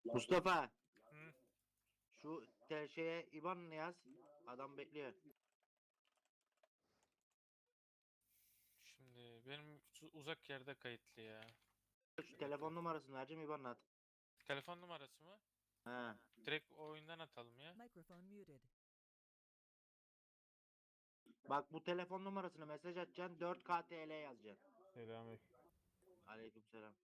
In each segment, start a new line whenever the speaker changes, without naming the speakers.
Mustafa,
Hı.
şu şeye IBAN yaz. Adam bekliyor.
Şimdi benim uzak yerde kayıtlı ya.
Şu
Bir
telefon
dakika.
numarasını vereceğim, IBAN at.
Telefon numarası mı?
He.
Direkt oyundan atalım ya.
Microphone muted.
Bak, bu telefon numarasını mesaj atacaksın. 4K TL yazacaksın.
Selamünaleyküm.
Aleykümselam.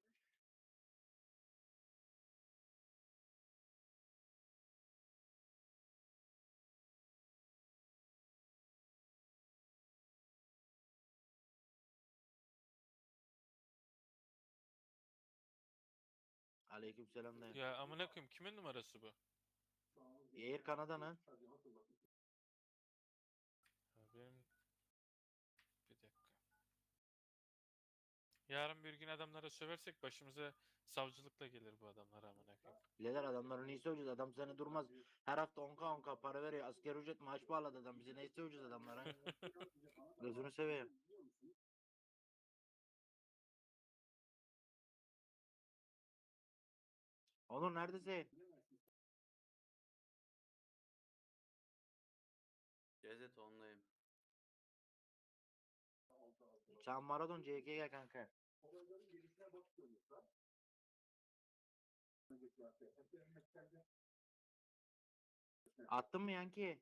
Aleykümselam dayı.
Ya amına koyayım, kimin numarası bu?
Air Canada'nın.
Ya benim bir dakika. Yarın bir gün adamlara söversek başımıza savcılıkla gelir bu adamlar amına koyayım.
Birader, adamları neyi söyleyeceğiz? Adam seni durmaz. Her hafta 10K para veriyor. Asgari ücret maaş bağladı adam. Bize neyi söyleyeceğiz adamlara? Gözünü seveyim. Onur neredesin?
Cezet ondayım.
Sen Maradona CK gel kanka. Attın mı Yanki?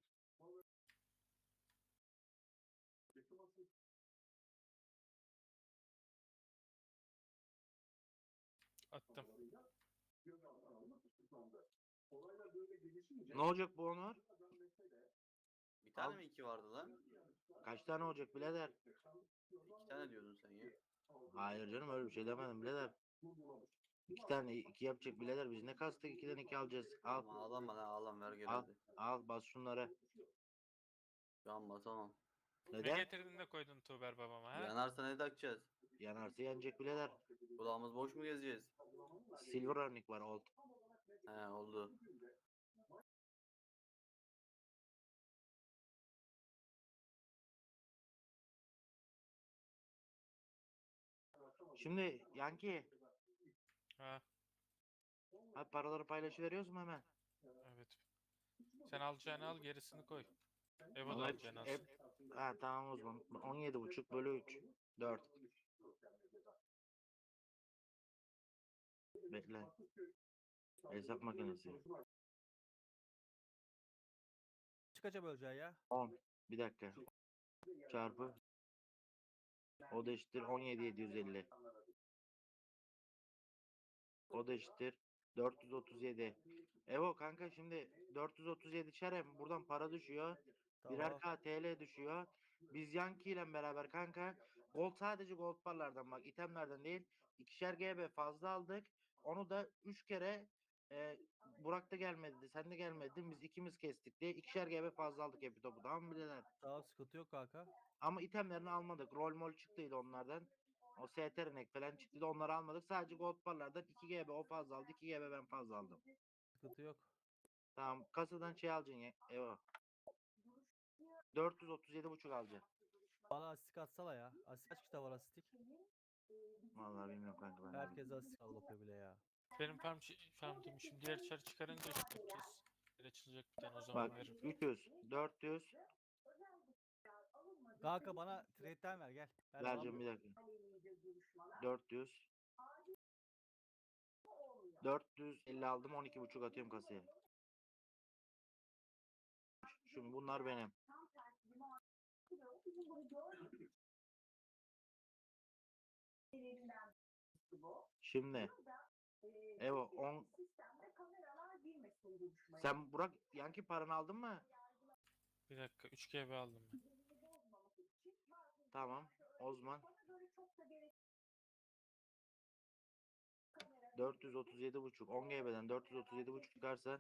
Attım.
Ne olacak bu Onur?
Bir tane
Al.
mi iki vardı lan?
Kaç tane olacak birader?
İki tane diyordun sen ya.
Hayır canım, öyle bir şey demedim birader. İki tane iki yapacak birader. Biz ne kastık, ikiden iki alacağız. Al.
Ama ağlama lan ağlam ver gel
Al.
hadi.
Al, bas şunları.
Şu an basamam.
Ne
Neden?
getirdin de koydun Tuğber babama ha?
Yanarsa ne takacağız?
Yanarsa yanacak birader.
Kulağımız boş mu gezeceğiz?
Silver örnek var, old.
He oldu.
Şimdi Yanki,
Ha,
hadi paraları paylaşıveriyoruz mu hemen?
evet. Sen alacağını al, gerisini koy. Evo da
Ama
alacağını alsın.
ha, tamam o zaman. 17,5 bölü 3. 4. Bekle. Hesap makinesi.
Kaça böleceği ya?
10. Bir dakika. Çarpı. O da eşittir 17,750. O da eşittir 437. Evo kanka, şimdi 437 çarem buradan para düşüyor. Birer
Tamam.
K TL düşüyor. Biz Yankee ile beraber kanka gold, sadece gold barlardan, bak itemlerden değil, ikişer GB fazla aldık. Onu da 3 kere Burak da gelmedi, sen de gelmedin, biz ikimiz kestik diye ikişer GB fazla aldık hep topu, tamam mı birader?
Tamam, sıkıntı yok kanka.
Ama itemlerini almadık. Rol mol çıktıydı onlardan. O STR'nek falan çıktıydı. Onları almadık. Sadece gold barlardan 2 GB o fazla aldı. 2 GB ben fazla aldım.
Sıkıntı yok.
Tamam. Kasadan şey alacaksın ya. Evo. 437,5 alacaksın.
Bana asistik atsana ya. Asistik kaç kitap var asistik?
Vallahi bilmiyorum kanka ben.
Herkes asistik al bakıyor bile ya.
Benim farm demişim. Diğer çar çıkarınca işte yapacağız. Bir açılacak bir tane, o zaman
Bak
veririm.
300, 400
Kanka bana trade'den ver gel. Ben
vereceğim, bir
alamıyorum.
dakika. 400 450 aldım, 12,5 atıyorum kasaya. Şimdi bunlar benim. Şimdi Evo 10. Sen Burak Yankee paranı aldın mı?
Bir dakika, 3 GB aldım ben.
Tamam. Osman 437,5. 10 GB'den 437,5 çıkarsa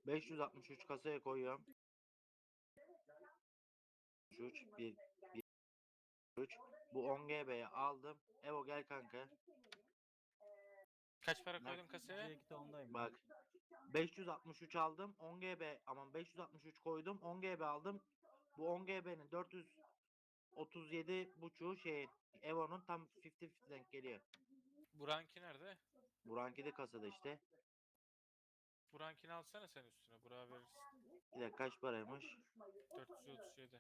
563 kasaya koyuyorum. 3 1 3. Bu 10 GB'yi aldım. Evo gel kanka.
Kaç para
Bak,
koydun kasaya?
C2'de ondayım.
Bak. 563 aldım. 10 GB aman 563 koydum. 10 GB aldım. Bu 10 GB'nin 437 buçuğu şey Evo'nun tam 50-50 denk geliyor.
Buranki nerede?
Buranki de kasada işte.
Burankini alsana sen üstüne. Burak'a verirsin.
Bir dakika kaç paraymış?
437.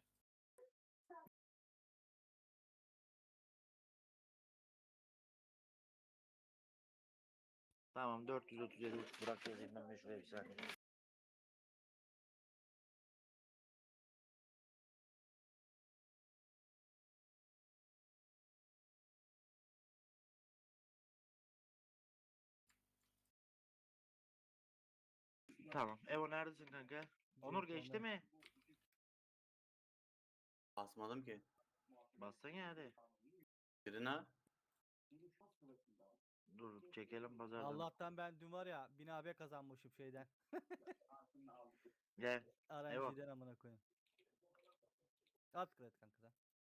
Tamam 437 buçuk Burak yazayım ben de şuraya bir saniye. Tamam. Evo neredesin kanka? Onur
C2'de
geçti
ondayım.
mi?
Basmadım ki.
Bassan ya hadi.
Birine.
Dur çekelim pazardan.
Allah'tan ben dün var ya 1000 AB kazanmışım şeyden.
Gel. Evo.
RNG'den amına koyayım. At kredi kanka sen.